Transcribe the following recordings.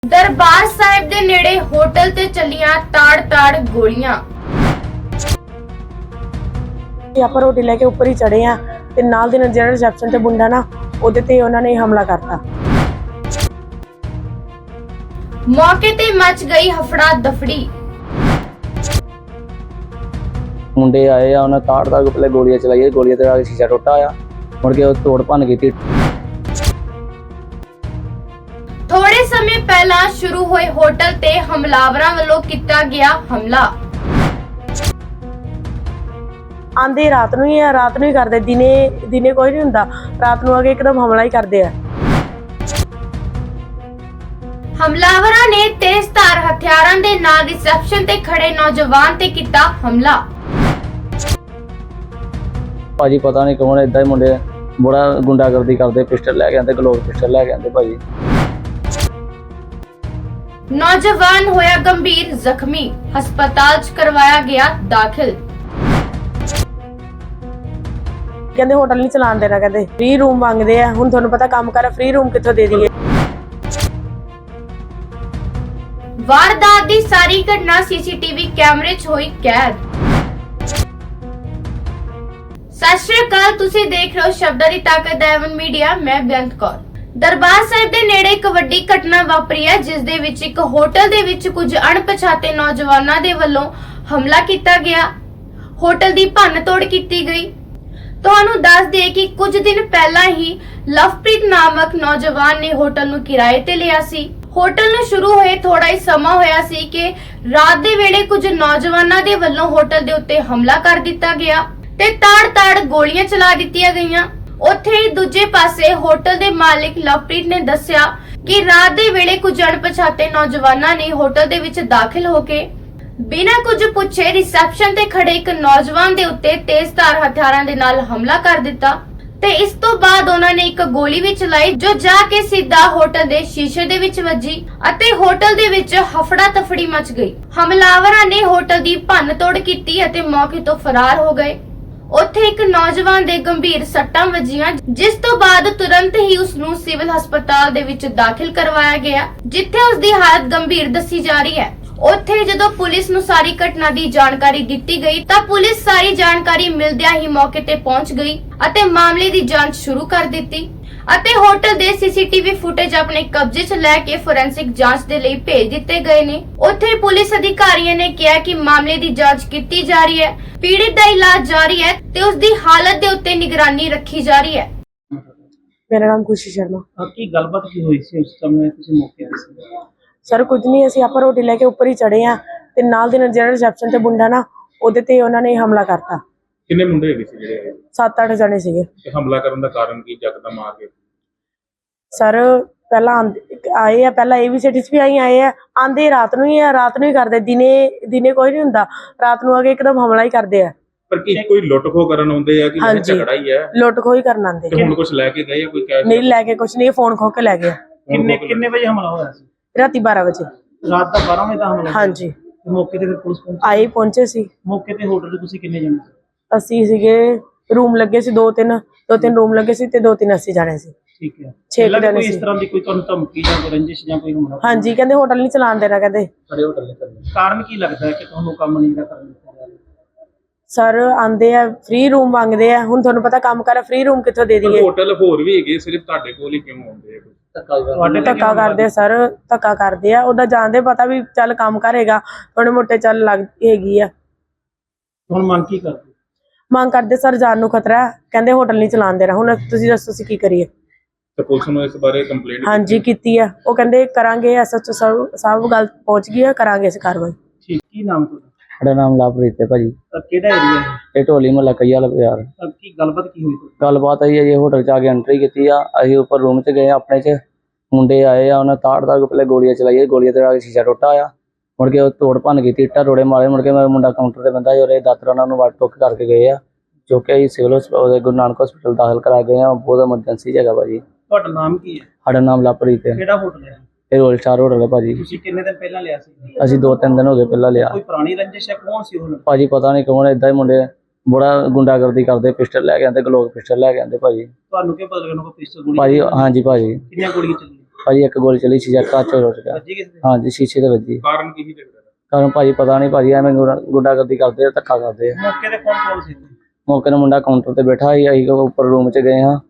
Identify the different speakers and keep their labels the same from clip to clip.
Speaker 1: ਦਰਬਾਰ ਸਾਹਿਬ ਦੇ ਨੇੜੇ ਹੋਟਲ ਤੇ ਚੱਲੀਆਂ ਤਾੜ-ਤਾੜ ਗੋਲੀਆਂ।
Speaker 2: ਆਪਾਂ ਰੋਟੀ ਲੈ ਕੇ ਉੱਪਰ ਹੀ ਚੜੇ ਆ ਤੇ ਨਾਲ ਦੇ ਨਾਲ ਜਿਹੜਾ ਰਿਸੈਪਸ਼ਨ ਤੇ ਮੁੰਡਾ ਨਾ ਉਹਦੇ ਤੇ ਉਹਨਾਂ ਨੇ ਹਮਲਾ ਕਰਤਾ।
Speaker 1: ਮੌਕੇ ਤੇ ਮਚ ਗਈ ਹਫੜਾ ਦਫੜੀ।
Speaker 3: ਮੁੰਡੇ ਆਏ ਆ, ਉਹਨਾਂ ਤਾੜ-ਤਾੜ ਪਹਿਲੇ ਗੋਲੀਆਂ ਚਲਾਈਆਂ, ਗੋਲੀਆਂ ਤੇ ਆ ਕੇ ਸ਼ੀਸ਼ਾ ਟੁੱਟਾ ਆ, ਮੁੜ ਕੇ ਉਹ ਤੋੜ ਭੰਨ ਕੀਤੀ।
Speaker 1: ਥੋੜੇ ਸਮੇਂ ਪਹਿਲਾਂ ਸ਼ੁਰੂ ਹੋਏ ਹੋਟਲ ਤੇ ਹਮਲਾਵਰਾਂ ਵੱਲੋਂ ਕੀਤਾ ਗਿਆ ਹਮਲਾ।
Speaker 2: ਆਂਦੇ ਰਾਤ ਨੂੰ ਹੀ ਕਰਦੇ, ਦਿਨੇ ਕੋਈ ਨਹੀਂ ਹੁੰਦਾ, ਰਾਤ ਨੂੰ ਆ ਕੇ ਇੱਕਦਮ ਹਮਲਾ ਹੀ ਕਰਦੇ ਆ।
Speaker 1: ਹਮਲਾਵਰਾਂ ਨੇ ਤੇਜ਼ਧਾਰ ਹਥਿਆਰਾਂ ਦੇ ਨਾਲ ਰਿਸੈਪਸ਼ਨ ਤੇ ਖੜੇ ਨੌਜਵਾਨ ਤੇ ਕੀਤਾ ਹਮਲਾ।
Speaker 3: ਭਾਜੀ ਪਤਾ ਨਹੀਂ ਕੌਣ ਏਦਾਂ ਹੀ ਮੁੰਡੇ ਬੜਾ ਗੁੰਡਾਗਰਦੀ ਕਰਦੇ, ਪਿਸਟਲ ਲੈ ਕੇ ਆਂਦੇ, ਗਲੋਕ ਪਿਸਟਲ ਲੈ ਕੇ ਆਂਦੇ ਭਾਜੀ।
Speaker 1: ਨੌਜਵਾਨ ਹੋਇਆ ਗੰਭੀਰ ਜ਼ਖਮੀ, ਹਸਪਤਾਲ 'ਚ ਕਰਵਾਇਆ ਗਿਆ ਦਾਖਲ।
Speaker 2: ਕਹਿੰਦੇ ਹੋਟਲ ਨਹੀਂ ਚਲਾਉਣ ਦੇਣਾ, ਕਹਿੰਦੇ ਫ੍ਰੀ ਰੂਮ ਮੰਗਦੇ ਆ। ਹੁਣ ਤੁਹਾਨੂੰ ਪਤਾ ਕੰਮ ਕਰ, ਫ੍ਰੀ ਰੂਮ ਕਿੱਥੋਂ ਦੇ ਦਈਏ।
Speaker 1: ਵਾਰਦਾਤ ਦੀ ਸਾਰੀ ਘਟਨਾ ਸੀਸੀਟੀਵੀ ਕੈਮਰੇ 'ਚ ਹੋਈ ਕੈਦ। ਸਤਿ ਸ਼੍ਰੀ ਅਕਾਲ, ਤੁਸੀਂ ਦੇਖ ਰਹੇ ਹੋ ਸ਼ਬਦਾਂ ਦੀ ਤਾਕਤ ਦੇਵਨ ਮੀਡੀਆ। ਮੈਂ ਬੇਅੰਤ ਕੌਰ। ਦਰਬਾਰ ਸਾਹਿਬ ਦੇ ਨੇੜੇ ਇੱਕ ਵੱਡੀ ਘਟਨਾ ਵਾਪਰੀ ਹੈ, ਜਿਸ ਦੇ ਵਿੱਚ ਇੱਕ ਹੋਟਲ ਦੇ ਵਿੱਚ ਕੁਝ ਅਣਪਛਾਤੇ ਨੌਜਵਾਨਾਂ ਦੇ ਵੱਲੋਂ ਹਮਲਾ ਕੀਤਾ ਗਿਆ। ਹੋਟਲ ਦੀ ਭੰਨ-ਤੋੜ ਕੀਤੀ ਗਈ। ਤੁਹਾਨੂੰ ਦੱਸ ਦਈਏ ਕਿ ਕੁਝ ਦਿਨ ਪਹਿਲਾਂ ਹੀ ਲਵਪ੍ਰੀਤ ਨਾਮਕ ਨੌਜਵਾਨ ਨੇ ਹੋਟਲ ਨੂੰ ਕਿਰਾਏ ਤੇ ਲਿਆ ਸੀ। ਹੋਟਲ ਨੂੰ ਸ਼ੁਰੂ ਹੋਏ ਥੋੜਾ ਹੀ ਸਮਾਂ ਹੋਇਆ ਸੀ ਕਿ ਰਾਤ ਦੇ ਵੇਲੇ ਕੁਝ ਨੌਜਵਾਨਾਂ ਦੇ ਵੱਲੋਂ ਹੋਟਲ ਦੇ ਉੱਤੇ ਹਮਲਾ ਕਰ ਦਿੱਤਾ ਗਿਆ ਤੇ ਤਾੜ-ਤਾੜ ਗੋਲੀਆਂ ਚਲਾ ਦਿੱਤੀਆਂ ਗਈਆਂ। ਉੱਥੇ ਹੀ ਦੂਜੇ ਪਾਸੇ ਹੋਟਲ ਦੇ ਮਾਲਕ ਲਵਪ੍ਰੀਤ ਨੇ ਦੱਸਿਆ ਕਿ ਰਾਤ ਦੇ ਵੇਲੇ ਕੁਝ ਅਣਪਛਾਤੇ ਨੌਜਵਾਨਾਂ ਨੇ ਹੋਟਲ ਦੇ ਵਿੱਚ ਦਾਖਲ ਹੋ ਕੇ ਬਿਨਾਂ ਕੁਝ ਪੁੱਛੇ ਰਿਸੈਪਸ਼ਨ ਤੇ ਖੜੇ ਇੱਕ ਨੌਜਵਾਨ ਦੇ ਉੱਤੇ ਤੇਜ਼ਧਾਰ ਹਥਿਆਰਾਂ ਦੇ ਨਾਲ ਹਮਲਾ ਕਰ ਦਿੱਤਾ ਤੇ ਇਸ ਤੋਂ ਬਾਅਦ ਉਹਨਾਂ ਨੇ ਇੱਕ ਗੋਲੀ ਵੀ ਚਲਾਈ, ਜੋ ਜਾ ਕੇ ਸਿੱਧਾ ਹੋਟਲ ਦੇ ਸ਼ੀਸ਼ੇ ਦੇ ਵਿੱਚ ਵੱਜੀ ਅਤੇ ਹੋਟਲ ਦੇ ਵਿੱਚ ਹਫੜਾ ਤਫੜੀ ਮਚ ਗਈ। ਹਮਲਾਵਰਾਂ ਨੇ ਹੋਟਲ ਦੀ ਭੰਨ-ਤੋੜ ਕੀਤੀ ਅਤੇ ਮੌਕੇ ਤੋਂ ਫਰਾਰ ਹੋ ਗਏ। ਉੱਥੇ ਇੱਕ ਨੌਜਵਾਨ ਦੇ ਗੰਭੀਰ ਸੱਟਾਂ ਵੱਜੀਆਂ, ਜਿਸ ਤੋਂ ਬਾਅਦ ਤੁਰੰਤ ਹੀ ਉਸ ਨੂੰ ਸਿਵਲ ਹਸਪਤਾਲ ਦੇ ਵਿੱਚ ਦਾਖਲ ਕਰਵਾਇਆ ਗਿਆ, ਜਿੱਥੇ ਉਸ ਦੀ ਹਾਲਤ ਗੰਭੀਰ ਦੱਸੀ ਜਾ ਰਹੀ ਹੈ। ਉੱਥੇ ਜਦੋਂ ਪੁਲਿਸ ਨੂੰ ਸਾਰੀ ਘਟਨਾ ਦੀ ਜਾਣਕਾਰੀ ਦਿੱਤੀ ਗਈ ਤਾਂ ਪੁਲਿਸ ਸਾਰੀ ਜਾਣਕਾਰੀ ਮਿਲਦਿਆਂ ਹੀ ਮੌਕੇ ਤੇ ਪਹੁੰਚ ਗਈ ਅਤੇ ਮਾਮਲੇ ਦੀ ਜਾਂਚ ਸ਼ੁਰੂ ਕਰ ਦਿੱਤੀ ਅਤੇ ਹੋਟਲ ਦੇ ਸੀਸੀਟੀਵੀ ਫੁਟੇਜ ਆਪਣੇ ਕਬਜ਼ੇ 'ਚ ਲੈ ਕੇ ਫੋਰੈਂਸਿਕ ਜਾਂਚ ਦੇ ਲਈ ਭੇਜ ਦਿੱਤੇ ਗਏ ਨੇ। ਉੱਥੇ ਪੁਲਿਸ ਅਧਿਕਾਰੀਆਂ ਨੇ ਕਿਹਾ ਕਿ ਮਾਮਲੇ ਦੀ ਜਾਂਚ ਕੀਤੀ ਜਾ ਰਹੀ ਹੈ, ਪੀੜਿਤ ਦਾ ਇਲਾਜ ਜਾਰੀ ਹੈ ਤੇ ਉਸ ਦੀ ਹਾਲਤ ਦੇ ਉੱਤੇ ਨਿਗਰਾਨੀ ਰੱਖੀ ਜਾ ਰਹੀ ਹੈ।
Speaker 2: ਮੇਰਾ ਨਾਮ ਖੁਸ਼ੀ ਸ਼ਰਮਾ।
Speaker 4: ਕੀ ਗੱਲਬਾਤ ਕੀ ਹੋਈ ਸੀ ਉਸ ਸਮੇਂ ਤੁਸੀਂ ਮੌਕੇ ਤੇ ਸੀ?
Speaker 2: ਸਰ ਕੁਝ ਨਹੀਂ, ਅਸੀਂ ਆਪਾਂ ਰੋਟੀ ਲੈ ਕੇ ਉੱਪਰ ਹੀ ਚੜੇ ਆ ਤੇ ਨਾਲ ਦੇ ਨਾਲ ਜਿਹੜਾ ਰਿਸੈਪਸ਼ਨ ਤੇ ਮੁੰਡਾ ਨਾ ਉਹਦੇ ਤੇ ਉਹਨਾਂ ਨੇ ਹਮਲਾ ਕਰਤਾ।
Speaker 5: ਕਿੰਨੇ ਮੁੰਡੇ ਹੈਗੇ ਸੀ ਜਿਹੜੇ
Speaker 2: 7-8 ਜਣੇ ਸੀਗੇ।
Speaker 5: ਤੇ ਹਮਲਾ ਕਰਨ ਦਾ ਕਾਰਨ ਕੀ ਯਕਦਮ ਆ ਕੇ?
Speaker 2: ਸਰ ਪਹਿਲਾਂ ਆਏ ਆ, ਪਹਿਲਾਂ ABCD 'ਚ ਵੀ ਆਏ ਆ। ਆਂਦੇ ਰਾਤ ਨੂੰ ਹੀ ਕਰਦੇ, ਦਿਨੇ ਕੋਈ ਨਹੀਂ ਹੁੰਦਾ, ਰਾਤ ਨੂੰ ਆ ਕੇ ਇੱਕਦਮ ਹਮਲਾ ਹੀ ਕਰਦੇ ਆ।
Speaker 5: ਪਰ ਕੀ ਕੋਈ ਲੁੱਟ ਖੋ ਕਰਨ ਆਉਂਦੇ ਆ ਕਿ ਇਹ ਝਗੜਾ ਹੀ ਹੈ?
Speaker 2: ਲੁੱਟ ਖੋ ਹੀ ਕਰਨ ਆਂਦੇ।
Speaker 5: ਤੇ ਹੁਣ ਕੁਝ ਲੈ ਕੇ ਗਏ ਆ? ਕੋਈ ਕੈਸ਼
Speaker 2: ਨਹੀਂ ਲੈ ਕੇ ਕੁਝ ਨਹੀਂ, ਫੋਨ ਖੋ ਕੇ ਲੈ ਗਏ।
Speaker 4: ਕਿੰਨੇ ਵਜੇ ਹਮਲਾ ਹੋਇਆ ਸੀ?
Speaker 2: ਰਾਤੀ 12 ਵਜੇ।
Speaker 4: ਰਾਤ ਦਾ 12 ਵਜੇ ਦਾ ਹਮਲਾ?
Speaker 2: ਹਾਂਜੀ।
Speaker 4: ਤੇ ਮੌਕੇ ਤੇ ਫਿਰ ਪੁਲਿਸ
Speaker 2: ਪਹੁੰਚੇ ਸੀ।
Speaker 4: ਮੌਕੇ ਤੇ ਹੋਟਲ 'ਚ ਤੁਸੀਂ ਕਿੰਨੇ ਜਣੇ ਸੀ?
Speaker 2: ਅਸੀਂ ਸੀਗੇ, ਰੂਮ ਲੱਗੇ ਸੀ ਦੋ ਤਿੰਨ ਰੂਮ ਲੱਗੇ ਸੀ ਤੇ 2-3 ਅਸੀਂ ਜਾਣੇ ਸੀ।
Speaker 4: ਠੀਕ ਹੈ।
Speaker 2: 6
Speaker 4: ਜਣੇ
Speaker 2: ਜਣੇ
Speaker 4: ਸੀ।
Speaker 2: ਸੀ।
Speaker 4: ਇਸ ਤਰ੍ਹਾਂ ਦੀ ਕੋਈ ਤੁਹਾਨੂੰ ਧਮਕੀ ਜਾਂ ਕੋਈ ਰੰਜਿਸ਼ ਜਾਂ ਕੋਈ ਹਮਲਾ?
Speaker 2: ਹਾਂਜੀ, ਕਹਿੰਦੇ ਹੋਟਲ ਨਹੀਂ ਚਲਾਉਣ ਦੇਣਾ, ਕਹਿੰਦੇ
Speaker 4: ਸਾਡੇ ਹੋਟਲ ਨਹੀਂ ਚੱਲਣਾ। ਕਾਰਨ ਕੀ ਲੱਗਦਾ ਹੈ ਕਿ ਤੁਹਾਨੂੰ ਕੰਮ ਨਹੀਂ ਦਾ ਕਰਨ ਦਿੱਤਾ ਜਾ ਰਿਹਾ?
Speaker 2: ਸਰ ਆਂਦੇ ਆ, ਫ੍ਰੀ ਰੂਮ ਮੰਗਦੇ ਆ। ਹੁਣ ਤੁਹਾਨੂੰ ਪਤਾ ਕੰਮ ਕਰ, ਫ੍ਰੀ ਰੂਮ ਕਿੱਥੋਂ ਦੇ ਦਈਏ।
Speaker 5: ਹੋਟਲ ਹੋਰ ਵੀ ਹੈਗੇ, ਸਿਰਫ ਤੁਹਾਡੇ ਕੋਲ ਹੀ ਕਿਉਂ ਆਉਂਦੇ ਆ?
Speaker 2: ਧੱਕਾ ਕਰਦੇ ਸਰ, ਧੱਕਾ ਕਰਦੇ ਆ। ਉਹਦਾ ਜਾਣਦੇ ਪਤਾ ਵੀ ਚੱਲ ਕੰਮ ਕਰੇਗਾ, ਥੋੜੇ ਮੋਟੇ ਚੱਲ ਲੱਗ ਹੈਗੀ ਆ।
Speaker 4: ਹੁਣ ਮੰਗ ਕੀ ਕਰਦੇ?
Speaker 2: ਮੰਗ ਕਰਦੇ ਸਰ, ਜਾਨ ਨੂੰ ਖਤਰਾ ਹੈ, ਕਹਿੰਦੇ ਹੋਟਲ ਨਹੀਂ ਚਲਾਉਣ ਦੇਣਾ। ਹੁਣ ਤੁਸੀਂ ਦੱਸੋ ਅਸੀਂ ਕੀ ਕਰੀਏ?
Speaker 5: ਤੇ ਪੁਲਿਸ ਨੂੰ ਇਸ ਬਾਰੇ ਕੰਪਲੇਂਟ? ਹਾਂਜੀ
Speaker 2: ਕੀਤੀ ਆ। ਉਹ ਕਹਿੰਦੇ ਕਰਾਂਗੇ, SHO ਸਭ ਗੱਲ ਪਹੁੰਚ ਗਈ ਆ, ਕਰਾਂਗੇ ਅਸੀਂ ਕਾਰਵਾਈ।
Speaker 4: ਠੀਕ। ਕੀ ਨਾਮ ਤੁਹਾਡਾ?
Speaker 3: ਸਾਡਾ ਨਾਮ ਲਵਪ੍ਰੀਤ ਹੈ ਭਾਜੀ।
Speaker 4: ਕਿਹੜਾ ਏਰੀਆ ਹੈ?
Speaker 3: ਇਹ ਢੋਲੀ ਮਹੱਲਾ ਕਈਆ ਵਾਲਾ ਬਾਜ਼ਾਰ।
Speaker 4: ਕੀ ਗੱਲਬਾਤ ਕੀ ਹੋਈ?
Speaker 3: ਗੱਲਬਾਤ ਆਈ ਹੈ ਜੀ, ਹੋਟਲ 'ਚ ਆ ਕੇ ਐਂਟਰੀ ਕੀਤੀ ਆ। ਅਸੀਂ ਉੱਪਰ ਰੂਮ 'ਚ ਗਏ ਆਪਣੇ 'ਚ, ਮੁੰਡੇ ਆਏ ਆ, ਉਹਨਾਂ ਤਾੜ-ਤਾੜ ਪਹਿਲੇ ਗੋਲੀਆਂ ਚਲਾਈਆਂ, ਗੋਲੀਆਂ ਤੇ ਆ ਕੇ ਸ਼ੀਸ਼ਾ ਟੁੱਟਾ ਆ, ਮੁੜ ਕੇ ਉਹ ਤੋੜ ਭੰਨ ਕੀਤੀ, ਇੱਟਾਂ ਰੋੜੇ ਮਾਰੇ। ਮੁੜ ਕੇ ਮੇਰਾ ਮੁੰਡਾ ਕਾਊਂਟਰ ਤੇ ਬੰਦਾ ਜੋ ਦਾਤਰ ਉਹਨਾਂ ਨੂੰ ਵੱਟ ਟੁੱਕ ਕਰਕੇ ਗਏ ਆ, ਜੋ ਕਿ ਅਸੀਂ ਸਿਵਲ ਹਸਪਤਾਲ ਗੁਰੂ ਨਾਨਕ ਹਸਪਤਾਲ ਦਾਖਲ ਕਰਾ ਗਏ ਆ। ਬਹੁਤ ਐਮਰਜੈਂਸੀ ਜਗ੍ਹਾ ਭਾਜੀ।
Speaker 4: ਤੁਹਾਡਾ ਨਾਮ ਕੀ ਹੈ?
Speaker 3: ਸਾਡਾ ਨਾਮ ਲਵਪ੍ਰੀਤ ਹੈ।
Speaker 4: ਕਿਹੜਾ ਹੋਟਲ ਹੈ?
Speaker 3: ਇਹ ਰੋਲ ਸਟਾਰ ਹੋਟਲ ਹੈ ਭਾਜੀ।
Speaker 4: ਤੁਸੀਂ ਕਿੰਨੇ ਦਿਨ ਪਹਿਲਾਂ ਲਿਆ ਸੀ?
Speaker 3: ਅਸੀਂ 2-3 ਦਿਨ ਹੋ ਗਏ ਪਹਿਲਾਂ ਲਿਆ।
Speaker 4: ਕੋਈ ਪੁਰਾਣੀ ਰੰਜਿਸ਼ ਹੈ? ਕੌਣ ਸੀ ਉਹ?
Speaker 3: ਭਾਜੀ ਪਤਾ ਨਹੀਂ ਕੌਣ, ਏਦਾਂ ਹੀ ਮੁੰਡੇ ਬੜਾ ਗੁੰਡਾਗਰਦੀ ਕਰਦੇ, ਪਿਸਟਲ ਲੈ ਕੇ ਆਂਦੇ, ਗਲੋਕ ਪਿਸਟਲ ਲੈ ਕੇ ਆਂਦੇ ਭਾਜੀ।
Speaker 4: ਤੁਹਾਨੂੰ ਕੀ ਪਤਾ ਲੱਗਣਾ ਕੋਈ ਪਿਸਤੌਲ ਗੋਲੀ?
Speaker 3: ਭਾਜੀ ਹਾਂਜੀ ਭਾਜੀ।
Speaker 4: ਕਿੰਨੀਆਂ ਗੋਲੀਆਂ ਚੱਲੀਆਂ?
Speaker 3: ਭਾਜੀ ਇੱਕ ਗੋਲੀ ਚਲੀ ਸ਼ੀਸ਼ਾ ਕੱਚ ਰੁੜ ਗਿਆ।
Speaker 4: ਵੱਜੀ ਕਿਸੇ ਦੇ?
Speaker 3: ਹਾਂਜੀ ਸ਼ੀਸ਼ੇ ਤੇ ਵੱਜੀ।
Speaker 5: ਕਾਰਨ ਕੀ ਸੀ ਝਗੜੇ ਦਾ?
Speaker 3: ਕਾਰਨ ਭਾਜੀ ਪਤਾ ਨਹੀਂ ਭਾਜੀ, ਐਵੇਂ ਗੁੰਡਾਗਰਦੀ ਕਰਦੇ ਆ, ਧੱਕਾ ਕਰਦੇ ਆ।
Speaker 4: ਮੌਕੇ ਤੇ ਕੌਣ ਕੌਣ ਸੀ?
Speaker 3: ਮੌਕੇ ਨੂੰ ਮੁੰਡਾ ਕਾਊਂਟਰ ਤੇ ਬੈਠਾ ਸੀ, ਅਸੀਂ ਉੱਪਰ ਰੂਮ 'ਚ ਗਏ ਹਾਂ।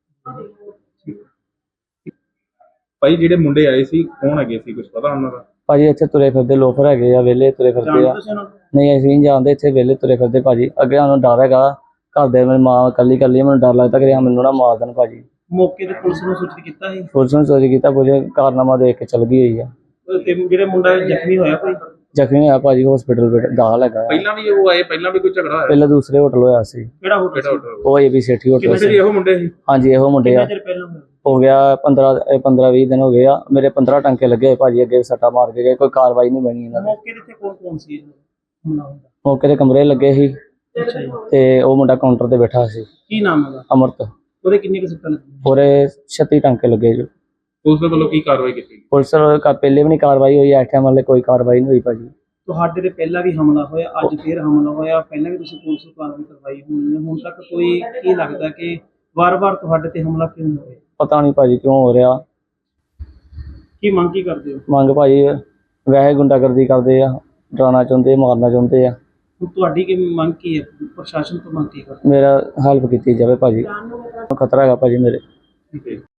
Speaker 5: ਭਾਈ ਜਿਹੜੇ ਮੁੰਡੇ ਆਏ ਸੀ ਕੌਣ ਹੈਗੇ ਸੀ, ਕੁਝ ਪਤਾ ਉਹਨਾਂ ਦਾ?
Speaker 3: ਭਾਜੀ ਇੱਥੇ ਤੁਰੇ ਫਿਰਦੇ ਲੋਫਰ ਹੈਗੇ ਆ, ਵਿਹਲੇ ਤੁਰੇ ਫਿਰਦੇ
Speaker 4: ਜਾਣਦੇ
Speaker 3: ਆ।
Speaker 4: ਤੁਸੀਂ ਉਹਨਾਂ ਨੂੰ?
Speaker 3: ਨਹੀਂ ਅਸੀਂ ਨਹੀਂ ਜਾਣਦੇ, ਇੱਥੇ ਵਿਹਲੇ ਤੁਰੇ ਫਿਰਦੇ ਭਾਜੀ। ਅੱਗੇ ਸਾਨੂੰ ਡਰ ਹੈਗਾ, ਘਰ ਦੇ ਮੇਰੀ ਮਾਂ ਇਕੱਲੀ ਮੈਨੂੰ ਡਰ ਲੱਗਦਾ ਕਿ ਮੈਨੂੰ ਨਾ ਮਾਰ ਦੇਣ ਭਾਜੀ।
Speaker 4: ਮੌਕੇ ਤੇ ਪੁਲਿਸ ਨੂੰ ਸੂਚਿਤ ਕੀਤਾ ਸੀ?
Speaker 3: ਪੁਲਿਸ ਨੂੰ ਚੋਰੀ ਕੀਤਾ, ਪੁਲਿਸ ਕਾਰਨਾਮਾ ਦੇਖ ਕੇ ਚਲ ਗਈ ਹੋਈ ਆ।
Speaker 4: ਤੇ ਜਿਹੜੇ ਮੁੰਡਾ ਜ਼ਖਮੀ ਹੋਇਆ ਕੋਈ?
Speaker 3: ਜ਼ਖਮੀ ਹੋਇਆ ਭਾਜੀ, ਹਸਪੀਟਲ ਵਿੱਚ ਦਾਖਲ ਹੈਗਾ।
Speaker 5: ਪਹਿਲਾਂ ਵੀ ਉਹ ਆਏ, ਪਹਿਲਾਂ ਵੀ ਕੋਈ ਝਗੜਾ ਹੋਇਆ?
Speaker 3: ਪਹਿਲਾਂ ਦੂਸਰੇ ਹੋਟਲ ਹੋਇਆ ਸੀ,
Speaker 4: ਕਿਹੜਾ ਹੋਟਲ?
Speaker 5: ਕਿਹੜਾ ਹੋਟਲ?
Speaker 3: ਉਹ ਏਬੀ ਸੇਠੀ ਹੋਟਲ
Speaker 5: ਕਿੰਨੇ
Speaker 3: ਸੀ।
Speaker 5: ਇਹੋ ਮੁੰਡੇ ਸੀ?
Speaker 3: ਹਾਂਜੀ ਇਹੋ ਮੁੰਡੇ ਆ।
Speaker 4: ਕਿੰਨੇ ਚਿਰ ਪਹਿਲਾਂ ਹੋਇਆ?
Speaker 3: ਹੋ ਗਿਆ 15-20 ਦਿਨ ਹੋ ਗਏ ਆ। ਮੇਰੇ 15 ਟੰਕੇ ਲੱਗੇ ਹੋਏ ਭਾਜੀ, ਅੱਗੇ ਸੱਟਾ ਮਾਰ ਕੇ ਗਏ, ਕੋਈ ਕਾਰਵਾਈ ਨਹੀਂ ਬਣੀ ਇਹਨਾਂ ਦੀ।
Speaker 4: ਮੌਕੇ ਤੇ ਕੌਣ ਕੌਣ ਸੀ ਹਮਲਾ ਹੁੰਦਾ?
Speaker 3: ਮੌਕੇ ਤੇ ਕਮਰੇ ਲੱਗੇ ਸੀ
Speaker 4: ਅੱਛਾ ਜੀ।
Speaker 3: ਤੇ ਉਹ ਮੁੰਡਾ ਕਾਊਂਟਰ ਤੇ ਬੈਠਾ ਸੀ,
Speaker 4: ਕੀ ਨਾਮ ਹੈਗਾ?
Speaker 3: ਅਮਰਤ।
Speaker 4: ਉਹਦੇ ਕਿੰਨੇ ਕੁ ਸੱਟਾਂ ਲੱਗੀਆਂ?
Speaker 3: ਪੂਰੇ 36 ਟੰਕੇ ਲੱਗੇ ਜੋ।
Speaker 5: ਪੁਲਿਸ ਦੇ ਵੱਲੋਂ ਕੀ ਕਾਰਵਾਈ ਕੀਤੀ?
Speaker 3: ਪੁਲਿਸ ਪਹਿਲੇ ਵੀ ਨਹੀਂ ਕਾਰਵਾਈ ਹੋਈ, ਇਸ ਟਾਈਮ ਵਾਲੇ ਕੋਈ ਕਾਰਵਾਈ ਨਹੀਂ ਹੋਈ ਭਾਜੀ।
Speaker 4: ਤੁਹਾਡੇ ਤੇ ਪਹਿਲਾਂ ਵੀ ਹਮਲਾ ਹੋਇਆ, ਅੱਜ ਫੇਰ ਹਮਲਾ ਹੋਇਆ, ਪਹਿਲਾਂ ਵੀ ਤੁਸੀਂ ਪੁਲਿਸ ਨੂੰ ਕਾਰਵਾਈ ਕਰਵਾਈ ਹੋਣੀ ਹੈ, ਹੁਣ ਤੱਕ ਕੋਈ ਕੀ ਲੱਗਦਾ ਕਿ ਵਾਰ-ਵਾਰ ਤੁਹਾਡੇ ਤੇ ਹਮਲਾ ਕਿਉਂ ਹੋ ਰਿਹਾ?
Speaker 3: ਪਤਾ ਨਹੀਂ ਭਾਜੀ ਕਿਉਂ ਹੋ ਰਿਹਾ।
Speaker 4: ਕੀ ਮੰਗ ਕੀ ਕਰਦੇ ਹੋ?
Speaker 3: ਮੰਗ ਭਾਜੀ ਵੈਸੇ ਗੁੰਡਾਗਰਦੀ ਕਰਦੇ ਆ, ਡਰਾਉਣਾ ਚਾਹੁੰਦੇ, ਮਾਰਨਾ ਚਾਹੁੰਦੇ ਆ।
Speaker 4: ਹੁਣ ਤੁਹਾਡੀ ਕੀ ਮੰਗ ਕੀ ਹੈ? ਪ੍ਰਸ਼ਾਸਨ ਤੋਂ ਮੰਗ ਕੀ ਕਰਦੇ
Speaker 3: ਮੇਰਾ ਹੈਲਪ ਕੀਤੀ ਜਾਵੇ ਭਾਜੀ, ਖਤਰਾ ਹੈਗਾ ਭਾਜੀ ਮੇਰੇ।
Speaker 5: ਠੀਕ ਹੈ।